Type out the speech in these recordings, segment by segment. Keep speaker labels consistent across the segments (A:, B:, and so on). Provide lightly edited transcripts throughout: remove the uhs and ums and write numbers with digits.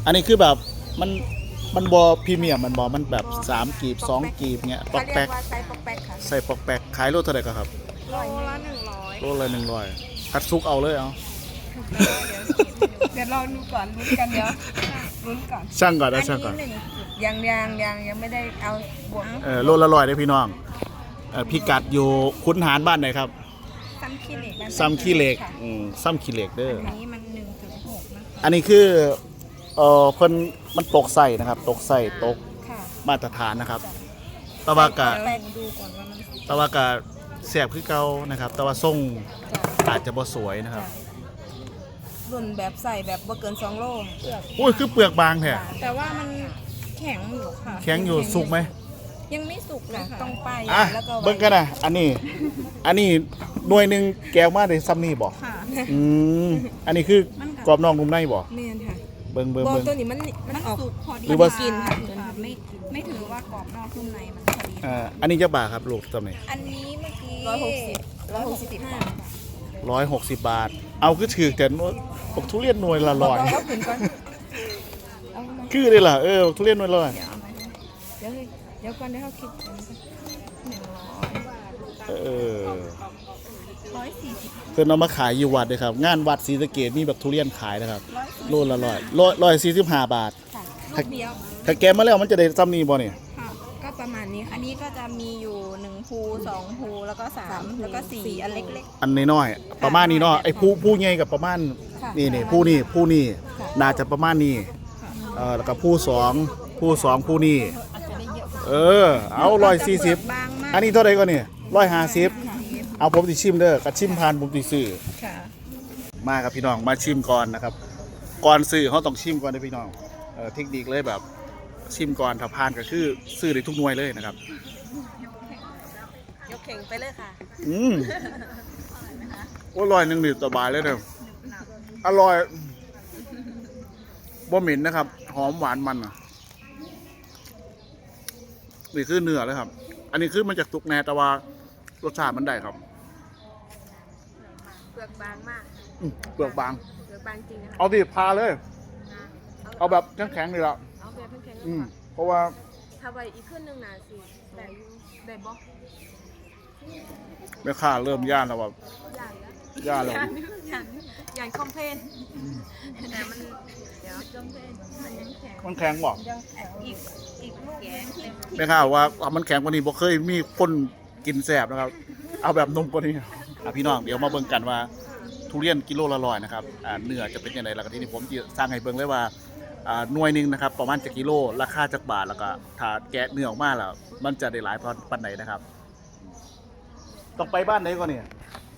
A: อันนี้คือแบบมันบอพรีเมียมมันบอมันแบบ3กีบ2กีบเงี้ยปอกแป๊ก
B: ใส่ปอกแป๊กค่ะ
A: ใส่ปอกแป๊กขายโลเท่าไหร่ก็ครับ
B: โลละ100
A: โลละ100คัดซุกเอาเลยเอา
B: เดี๋ยวลองดูก่อนลุ้นกันเดี๋ยวลุ้นก่อน
A: ช่างก่อน
B: อั
A: นะ
B: น
A: ช่างก่อน
B: นี้ยังไม่ได้เอาบวก
A: โลละ100ได้พี่น้องพิกัดอยู่ขุนหารบ้านไหนครับ
B: ซ้ำขี้เหล็ก
A: ซ้ำขี้เหล็กซ้ำขี้เหล็กเด้อ
B: อันนี้มัน1.6นะคะ
A: อันนี้คือคนมันตกใส่นะครับตกใส่ตก
B: ค่ะ
A: มาตรฐานนะครับตะวากะ
B: แป้งดูก่อนว่ามัน
A: ตะวากะแสบคือเก่านะครับแต่ว่าทรงอาจจะบ่สวยนะครับ
B: รุ่นแบบใส่แบบบ่เกิน2โล
A: โอ้ยคือเปลือกบางแท้
B: แต่ว่ามันแข็งอยู่ค่ะ
A: แข็งอยู่สุกไหม
B: ยังไม่สุกเลยต้องป้าย
A: อ่ะ
B: แล้วก็
A: เบิ่งกันนะอันนี้หน่วยหนึ่งแก้วมาได้ซ้ำนี่บ่
B: ค่ะ
A: อันนี้คือกรอบนอกนุ่มในบ่
B: เมนค่ะ
A: เบิ่ง
B: บอลตัวนี้มันออก
A: หรือว่า
B: กินค่ะ
C: ไม่ถือว่ากรอบนอกนุ่มในมันพอดี
A: อันนี้จะบาทครับลูกซ้ำนี่
B: อันนี้เมื่อกี้160
A: 160 บาท เอาคือถือแต่บอกทุเรียนหน่วยละร้อย
B: ก็ขึ้นก่อนเอามา
A: คือได้ล่ะทุเรียนหน่วยละร้อย
B: เดี๋ยวก่อนได้เขาคิดกัน140
A: เพิ่นเอามาขายอยู่วัดเลยครับงานวัดศรีสะเกษมีแบบทุเรียนขายนะครับโลละ145 บาท
B: ค่ะลูกเดียว
A: ถ้าแกะมาแล้วมันจะได้ซ้ำนี่บ่เนี่ย
B: ค่ะก็ประมาณนี้
C: อันนี้ก็จะมีอยู่1ภู2ภูแล้วก็3แล้วก็4อันเล็ก
A: อันน้อยๆประมาณนี้เนาะไอ้ผู้ใหญ่กับประมาณนี่ผู้นี่น่าจะประมาณนี้แล้วก็ผู้สองผู้นี่เอา140
B: บางมาก
A: อันนี้เท่าไหร่ก็เนี่ย150เอาผมสิชิมเด้อกระชิมผ่านผมสิซื้อ
B: ค่ะ
A: มาครับพี่น้องมาชิมก่อนนะครับก่อนซื้อเขาต้องชิมก่อนนะพี่น้องเทคนิคเลยแบบชิมก่อนถ้าผ่านก็คือซื้อได้ทุกหน่วยเลยนะครับ
C: ยกเข่งไปเลยค่ะ
A: อร่อยหนึ่งนี่สบายเลยเด้ออร่อยบ่เหม็นนะครับหอมหวานมันอ่ะนี่คือเนื้อเลยครับ อันนี้คือมันจากตุกแน่แต่ว่ารสชาติมันได้ครับ
C: เปลือกบางมาก
A: เปลือกบาง
C: เปลือกบางจริงนะคะ
A: เอาดิพาเลย เอาแบบแข็งๆเลยละ
C: เอาแบบแข็ง
A: เพราะว่า
C: ๆถ้าไว้อีกขึ้นหนึ่งนะสิได้อยู่ได้บ่
A: แม่ค้าเริ่มย่านแล้วแบบ
C: ย่านแล้ว
A: ย่านแล้ว
C: ย่านคอมเพลนแต่มันเดี๋ยวคอมเพลนมันยังแข็ง
A: มันแข็งบอก
C: อีกลูกแกงที่
A: แม่ค้าว่ามันแข็งกว่านี้บ่เคยมีคนกินแสบนะครับ เอาแบบนมกว่านี้พี่น้องเดี๋ยวมาเบิ่งกันว่าทุเรียนกิโลละ100นะครับเนื้อจะเป็นยังไงแล้วก็ที่นี่ผมจะสร้างให้เบิ่งเลยว่าหน่วยหนึงนะครับประมาณจะกิโลราคาจักบาทแล้วก็ถ้าแกะเนื้อออกมาแล้วมันจะได้หลายปานไหนนะครับต้องไปบ้านไหนก่อนเนี่ย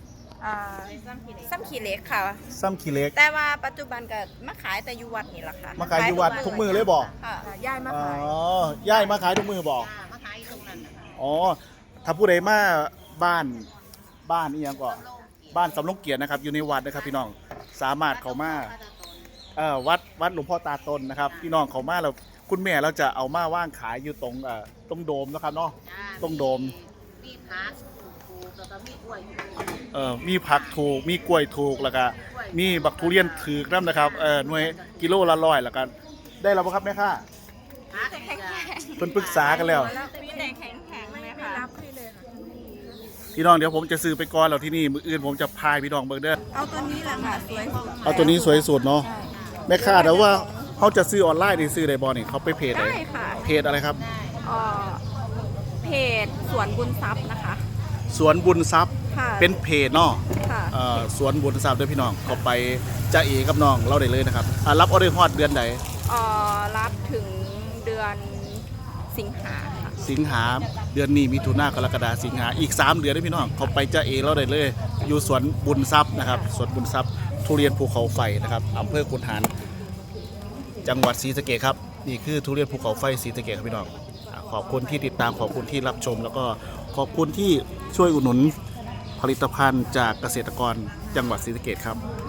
C: ซ้ำขีเหล็กค่ะ
A: ซ้ำขี้เหล็ก
C: แต่ว่าปัจจุบันก็มาขายแต่อยู่วัดนี่แหละค่ะ
A: มาขายอยู่วัดทุกมือเลยบอก
C: ค่ะย้ายมาขาย
A: ย่ายมาขายทุกมือบอก
C: มาขายตรงนั้นนะคะ
A: อ๋อถ้าผู้ใดมาบ้านนี่ยังก็บ้านสำลงเกียรตินะครับอยู่ในวัดนะครับพี่น้องสามารถเข้ามาวัดหลวงพ่อตาตนนะครับพี่น้องเข้ามาแล้วคุณแม่เราจะเอามาว่างขายอยู่ตรงโดมนะครับเนาะตรงโดม
C: มีผักถูกแล้วก็มีกล้วย
A: มีผักถูกมีกล้วยถูกแล้วก็มีบักทุเรียนถือกน้ำนะครับหน่วยกิโลละ100แล้วก็ได้แล้วบ่ครับแม่ค้า
C: แข็ง
A: เพิ่นปรึกษากันแล้ว
C: มีแต่แข็งๆเลยค่ะรับให้เลยค่ะ
A: พี่น้องเดี๋ยวผมจะซื้อไปก่อนแล้วที่นี่มื้ออื่นผมจะพายพี่น้องเบิ่งเด้อ
B: เอาตัวนี้แหละค่ะสวยสุด
A: เอาตัวนี้สวยสุดเนาะแม่ค้าแต่ว่าเขาจะซื้อออนไลน์นี่ซื้อได้บ่นี่เขาไปเพจไหน
C: ได้ค่ะ
A: เพจอะไรครับ
C: เพจสวนบุญทรัพย์นะคะ
A: สวนบุญทรัพย์
C: ค่ะ
A: เป็นเพจเนาะ
C: ค่ะ
A: สวนบุญทรัพย์เด้อพี่น้องเขาไปจะเอกับน้องเราได้เลยนะครับรับออเดอร์ฮอดเดือนใด
C: รับถึงเดือนสิงหาค่ะ
A: สิงหาเดือนนี้มิถุนายนกรกฎาคมสิงหาอีก3เดือนเด้อพี่น้องเขาไปจะเอเราได้เลย อยู่สวนบุญทรัพย์นะครับสวนบุญทรัพย์ทุเรียนภูเขาไฟนะครับอำเภอขุนหารจังหวัดศรีสะเกษครับนี่คือทุเรียนภูเขาไฟศรีสะเกษครับพี่น้องขอบคุณที่ติดตามขอบคุณที่รับชม แล้วก็ขอบคุณที่ช่วยอุดหนุนผลิตภัณฑ์จากเกษตรกรจังหวัดศรีสะเกษครับ